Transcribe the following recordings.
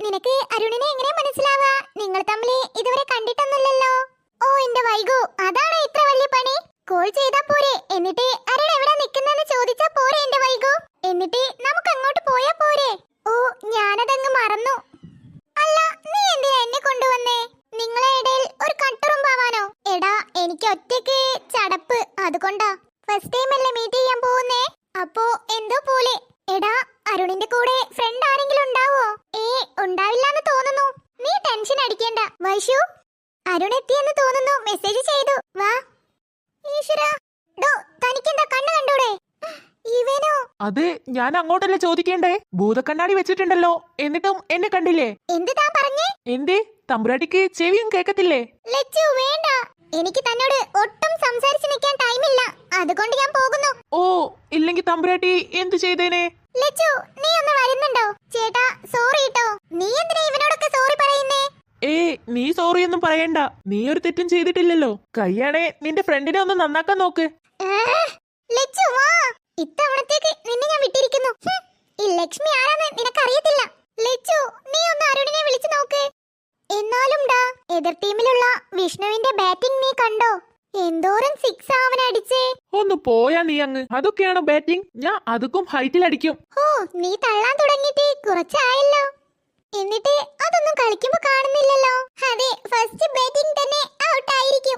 നിനക്ക് അരുണിനെ എങ്ങനെ മനസ്സിലാവാ? നിങ്ങൾ തമ്മിൽ ഇതുവരെ കണ്ടിട്ടൊന്നുമില്ലല്ലോ. ഓ എന്റെ വൈകു, അതാണ് ഇത്ര വലിയ പണി? കോൾ ചെയ്താ പോരെ, എന്നിട്ട് അരുൺ എവിടെ നിൽക്കുന്നെന്ന് ചോദിച്ചാ പോരെ എന്റെ വൈകു? എന്നിട്ട് നമുക്ക് അങ്ങോട്ട് പോയാ പോരെ? ഓ ഞാനതങ്ങ് മറന്നു. അല്ല നീ എന്തിനാ എന്നെ കൊണ്ടുവന്നേ? നിങ്ങളെ ഇടയിൽ ഒരു കട്ടുറുമ്പാവാനോ? എടാ എനിക്ക് ഒറ്റയ്ക്ക് ചടപ്പ്, അതുകൊണ്ടാ. ഫസ്റ്റ് ടൈം അല്ലേ മീറ്റ് ചെയ്യാൻ പോകുന്നേ, അപ്പോ എന്തോ പോലെ. എടാ അരുണിന്റെ കൂടെ ഫ്രണ്ട് ആരെങ്കിലും ഉണ്ടാവോ? ഉണ്ടാവില്ലാന്ന് തോന്നുന്നു. നീ ടെൻഷൻ അടിക്കണ്ട വൈശു. അരുൺ എത്തിയെന്ന് തോന്നുന്നു, മെസ്സേജ് ചെയ്തു. വാ. ഈശ്വരാ, ഡോ തനിക്കെന്താ കണ്ണ് കണ്ടൂടെ? ഇവനോ? അത് ഞാൻ അങ്ങോട്ടല്ലേ ചോദിക്കേണ്ടേ? ഭൂതക്കണ്ണാടി വെച്ചിട്ടുണ്ടല്ലോ, എന്നിട്ടും എന്നെ കണ്ടില്ലേ? എന്ത് താൻ പറഞ്ഞേ? എന്തേ തമ്പുരാട്ടിക്ക് ചെവിയും കേക്കത്തില്ലേ? ലച്ചു വേണ്ട, എനിക്ക് തന്നോട് ഒട്ടും സംസാരിച്ച് നിൽക്കാൻ ടൈമില്ല, അതുകൊണ്ട് ഞാൻ പോകുന്നു. ഓ ഇല്ലെങ്കിൽ തമ്പുരാട്ടി എന്തു ചെയ്തേനെ? ലച്ചു നീ ഒന്ന് വരുന്നുണ്ടോ? ചേട്ടാ സോറി ട്ടോ. നീ എന്തിനാ ഇവനോടൊക്കെ സോറി പറയുന്നേ? നീ സോറി ഒന്നും പറയണ്ട, നീ ഒരു തെറ്റും ചെയ്തിട്ടില്ലല്ലോ. കയ്യാണേ നിന്റെ ഫ്രണ്ടിനെ ഒന്ന് നന്നാക്കാൻ നോക്ക്. ലച്ചു വാ, ഇത്തവണത്തേക്ക് നിന്നെ ഞാൻ വിട്ടിരിക്കുന്നു. ഈ ലക്ഷ്മി ആരാന്ന് നിനക്കറിയത്തില്ല. ലച്ചു നീ ഒന്ന് അരുണിനെ വിളിച്ചു നോക്ക്. എന്നാലും ഡാ, എതിർ ടീമിലുള്ള വിഷ്ണുവിന്റെ ബാറ്റിംഗ് നീ കണ്ടോ? എന്തോരം സിക്സ് അവൻ അടിച്ചേ. ഒന്ന് പോയാ നീ അങ്ങ്. അതൊക്കെയാണോ ബാറ്റിംഗ്? ഞാൻ അതുക്കും ഹൈറ്റിൽ അടിക്കും. ഓ നീ തള്ളാൻ തുടങ്ങിയിട്ട് കുറച്ചായല്ലോ, എന്നിട്ട് അതൊന്നും കളിക്കുമ്പോ കാണുന്നില്ലല്ലോ. അതെ, ഫസ്റ്റ് ബാറ്റിംഗ് തന്നെ ഔട്ട് ആയിരിക്കും.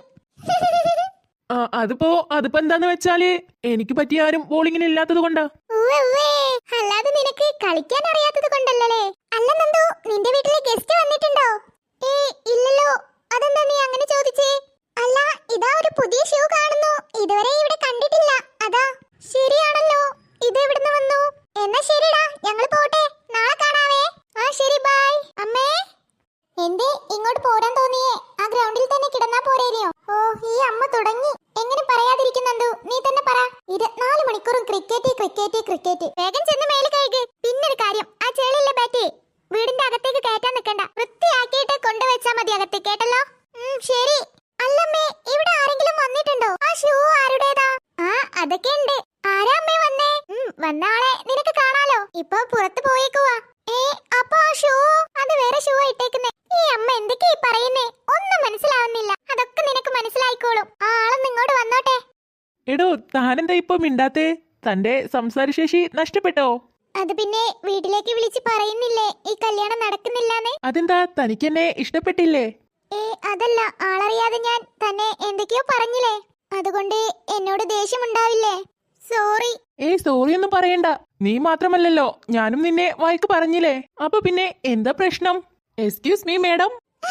അതിപ്പോ എന്താന്ന് വെച്ചാല് എനിക്ക് പറ്റിയ ആരും ബോളിങ്ങിന് ഇല്ലാത്തത് കൊണ്ടാ. അല്ലാതെ നിനക്ക് കളിക്കാൻ അറിയാത്തത് കൊണ്ടല്ലേ? അല്ല നന്ദു, നിന്റെ വീട്ടിലെ ഗസ്റ്റ് വന്നിട്ടുണ്ടോ? ഇല്ലല്ലോ. അതെന്താ നീ അങ്ങനെ ചോദിച്ചേ? അല്ല ഇതാ ഒരു പുതിയ ഷൂ കാണുന്നു, ഇതുവരെ ഇവിടെ കണ്ടിട്ടില്ല, അതാ. ശരിയാണല്ലോ, ഇത് എവിടുന്ന് വന്നു? എന്നാ ശരിടാ, ഞങ്ങൾ പോട്ടെ, നാളെ കാണാവേ. ആ ശരി, ബൈ. അമ്മേ എന്തേ ഇങ്ങോട്ട് പോരാൻ തോന്നിയേ? ആ ഗ്രൗണ്ടിൽ തന്നെ കിടന്നാ പോരേനെയോ? ഓ ഈ അമ്മ തുടങ്ങി. എങ്ങനെ പറയാതിരിക്കുന്നുണ്ടോ? നീ തന്നെ പറ. 24 മണിക്കൂറും ക്രിക്കറ്റ് ക്രിക്കറ്റ് ക്രിക്കറ്റ്. വേഗം ചെന്ന് മേല് കഴുക്. പിന്നൊരു കാര്യം, ആ ചെളിയുള്ള ബാറ്റ് വീടിന്റെ അകത്തേക്ക് കയറ്റാൻ നിൽക്കണ്ട, വൃത്തിയാക്കിയിട്ട് കൊണ്ടുവച്ചാ മതി അകത്ത്, കേട്ടല്ലോ? ശരി. അല്ലമ്മേ, ഇവിടെ ആരെങ്കിലും വന്നിട്ടുണ്ടോ? ആ ഷൂ ആരുടേതാ? ആ അതൊക്കെ ഉണ്ട്. ആരാ അമ്മേ വന്നേ? വന്ന ആളെ നിനക്ക് കാണാലോ, ഇപ്പൊ പുറത്ത് പോയേക്കുവാ. അപ്പൊ ആ ഷൂ, അത് വേറെ ഷൂ ഇട്ടേക്കുന്നേ. ഈ അമ്മ എന്തൊക്കെയാ പറയുന്നേ? ഒന്നും മനസ്സിലാവുന്നില്ല. അതൊക്കെ നിനക്ക് മനസ്സിലായിക്കോളും. ആ ആളൊന്ന് ഇങ്ങോട്ട് വന്നോട്ടെ. എടോ താനെന്താ ഇപ്പൊ മിണ്ടാത്തേ? തന്റെ സംസാരശേഷി നഷ്ടപ്പെട്ടോ? അത് പിന്നെ വീട്ടിലേക്ക് വിളിച്ച് പറയുന്നില്ലേ ഈ കല്യാണം നടക്കുന്നില്ലാന്ന്? അതെന്താ തനിക്കെന്നെ ഇഷ്ടപ്പെട്ടില്ലേ? അതല്ല, ആളറിയാതെ ഞാൻ തന്നെ എന്തൊക്കെയോ പറഞ്ഞില്ലേ, അതുകൊണ്ട് എന്നോട് ദേഷ്യമുണ്ടാവില്ലേ? സോറി. സോറി ഒന്നും പറയണ്ട. നീ മാത്രമല്ലല്ലോ, ഞാനും നിന്നെ വായിക്ക് പറഞ്ഞില്ലേ. അപ്പൊ പിന്നെ എന്താ പ്രശ്നം? Excuse me madam.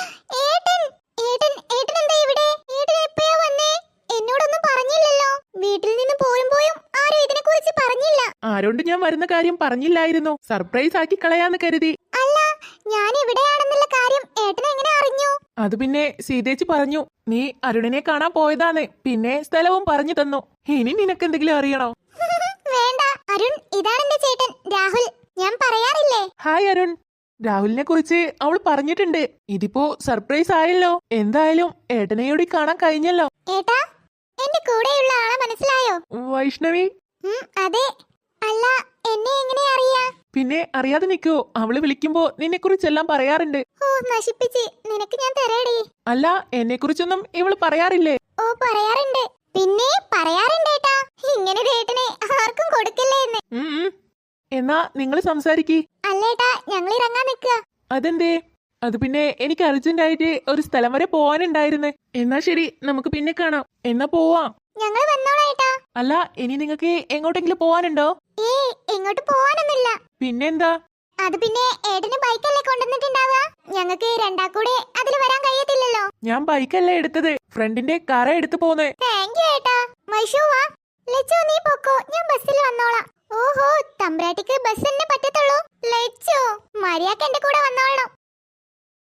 എന്നോടൊന്നും പറഞ്ഞില്ലല്ലോ. വീട്ടിൽ നിന്ന് പോയും ആരും ഇതിനെ കുറിച്ച് പറഞ്ഞില്ല. ആരോണ്ട് ഞാൻ വരുന്ന കാര്യം പറഞ്ഞില്ലായിരുന്നു, സർപ്രൈസ് ആക്കി കളയാന്ന് കരുതി. അല്ല, ഞാൻ ഇവിടെയാണെന്നുള്ള കാര്യം ഏട്ടൻ എങ്ങനെ അറിഞ്ഞു? അത് പിന്നെ സീതേച്ചി പറഞ്ഞു, നീ അരുണിനെ കാണാൻ പോയതാന്ന്, പിന്നെ സ്ഥലവും പറഞ്ഞു തന്നു. ഇനി നിനക്ക് എന്തെങ്കിലും അറിയണോ? വേണ്ട അരുൺ, ഇതാണ് എന്റെ ചേട്ടൻ രാഹുൽ. ഞാൻ പറയാറില്ലേ? ഹായ് അരുൺ. രാഹുലിനെ കുറിച്ച് അവൾ പറഞ്ഞിട്ടുണ്ട്. ഇതിപ്പോ സർപ്രൈസ് ആയല്ലോ. എന്തായാലും ഏട്ടനെയോടി കാണാൻ കഴിഞ്ഞല്ലോ. ഏട്ടാ, എന്റെ കൂടെയുള്ള ആളെ മനസ്സിലായോ? വൈഷ്ണവി. അതെ. അല്ല, എന്നെ എങ്ങനെ അറിയാ? പിന്നെ അറിയാതെ നിൽക്കോ? അവള് വിളിക്കുമ്പോ നിന്നെ കുറിച്ചെല്ലാം പറയാറുണ്ട്. ഓ നശിപ്പിച്ച്, നിനക്ക് ഞാൻ തരാടി. അല്ല, എന്നെ കുറിച്ചൊന്നും ഇവള് പറയാറില്ലേ? ഓ പറയാറുണ്ട്, പിന്നെ പറയാറുണ്ട് ഏട്ടാ. ഇങ്ങനെ ഏട്ടനെ ആർക്കും കൊടുക്കല്ലേ എന്ന്. എന്നാ നിങ്ങൾ സംസാരിക്കി. അല്ലേട്ടാ, ഞങ്ങൾ ഇറങ്ങാൻ നിൽക്കുക. അതെന്തേ? അത് പിന്നെ എനിക്ക് അർജന്റ് ആയിട്ട് ഒരു സ്ഥലം വരെ പോവാനുണ്ടായിരുന്നു. എന്നാ ശരി, നമുക്ക് പിന്നെ കാണാം. എന്നാ പോവാം. ഞങ്ങൾ വന്നോളാം. അല്ല, ഇനി നിങ്ങൾക്ക് എങ്ങോട്ടെങ്കിലും പോവാനുണ്ടോ? എങ്ങോട്ട് പോവാനൊന്നുമില്ല. പിന്നെന്താ? അത് പിന്നെ ഏട്ടന് ബൈക്കല്ലേ കൊണ്ടുവന്നിട്ടുണ്ടാവുക, ഞങ്ങൾക്ക് രണ്ടാക്കൂടെ അതിൽ വരാൻ കഴിയത്തില്ലല്ലോ. ഞാൻ ബൈക്കല്ലേ എടുത്തത്, ഫ്രണ്ടിന്റെ കാറാ എടുത്തു പോന്നെ. താങ്ക് യു ഏട്ടാ. വൈഷു വാ. ലച്ചു നീ പൊക്കോ, ഞാൻ ബസ്സിൽ വന്നോളാം. ഓഹോ, തമ്പ്രാട്ടിക്ക് ബസ് തന്നെ പറ്റത്തുള്ളൂ. ലച്ചു മര്യാദക്ക് എന്റെ കൂടെ വന്നോളണം.